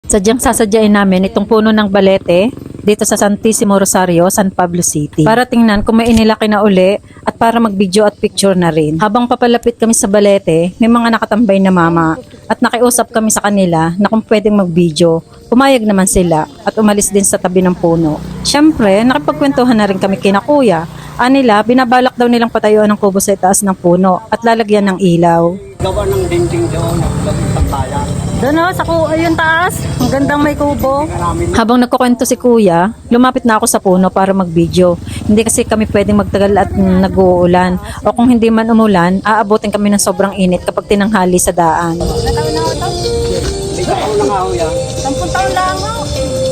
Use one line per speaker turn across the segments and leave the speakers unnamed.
Sadyang sasadyain namin itong puno ng balete dito sa Santissimo Rosario, San Pablo City. Para tingnan kung may inilaki na uli at para mag-video at picture na rin. Habang papalapit kami sa balete, may mga nakatambay na mama at nakiusap kami sa kanila na kung pwedeng mag-video. Pumayag naman sila at umalis din sa tabi ng puno. Siyempre, nakipagkwentuhan na rin kami kina kuya. Anila, binabalak daw nilang patayuan ng kubo sa itaas ng puno at lalagyan ng ilaw.
Gawa ng dinding doon at gawing pagbayan.
Doon o, sa yung taas. Ang gandang may kubo. Habang nagkukwento si kuya, lumapit na ako sa puno para mag-video. Hindi kasi kami pwedeng magtagal at nag-uulan. O kung hindi man umulan, aabutin kami ng sobrang init kapag tinanghali sa daan.
May taon na nga ho yan.
10 taon lang ako.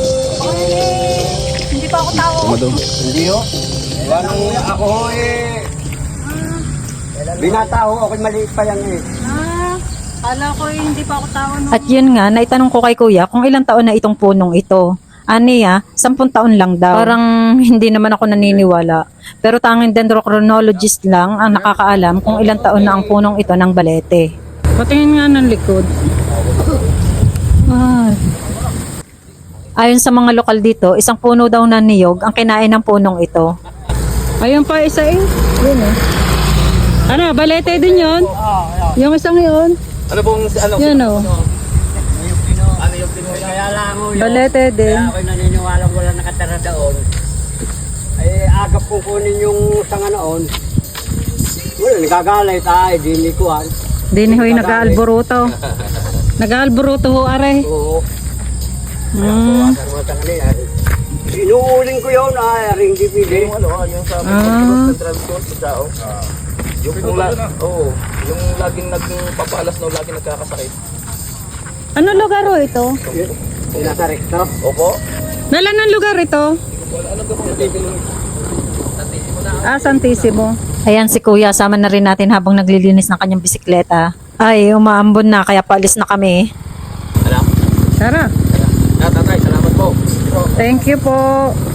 Hindi pa ako tao.
Hindi ho. Wanang ako ho binata ho, ako'y maliit pa yan
Kala ko hindi pa ako tao. No? At yun nga, naitanong ko kay kuya kung ilang taon na itong punong ito. Aniya, 10 taon lang daw. Parang hindi naman ako naniniwala. Pero tanging dendrochronologist lang ang nakakaalam kung ilang taon na ang punong ito ng balete. Patingin nga ng likod. Ayon sa mga lokal dito, isang puno daw na niyog ang kinain ng punong ito. Ayun pa isa Yun Ano, balete din yun? Yung isang yun?
Ano pong ano?
Yun o.
Ano yung Pinoy? Kaya lang ho yun.
Balete din.
Kaya ako'y naniniwala wala nakatara doon. Ay agap kong kunin yung sanga noon. Wala, nagagalit. Di kuhan.
Din ho'y nag-aalboruto. Nag-aalboruto ho, are.
Oo. Inuuling ko yun, ring DVD.
Yung sa transport sa tao. Yung yung laging nagpapalas na laging nagkakasakit.
Ano lugar ho ito?
Nasa rekto.
Opo.
Nalan ang lugar ito? Santissimo. Ayan si kuya, sama na rin natin habang naglilinis ng kanyang bisikleta. Ay, umaambon na kaya paalis na kami.
Ano?
Tara.
Tatay, salamat po.
Thank you po.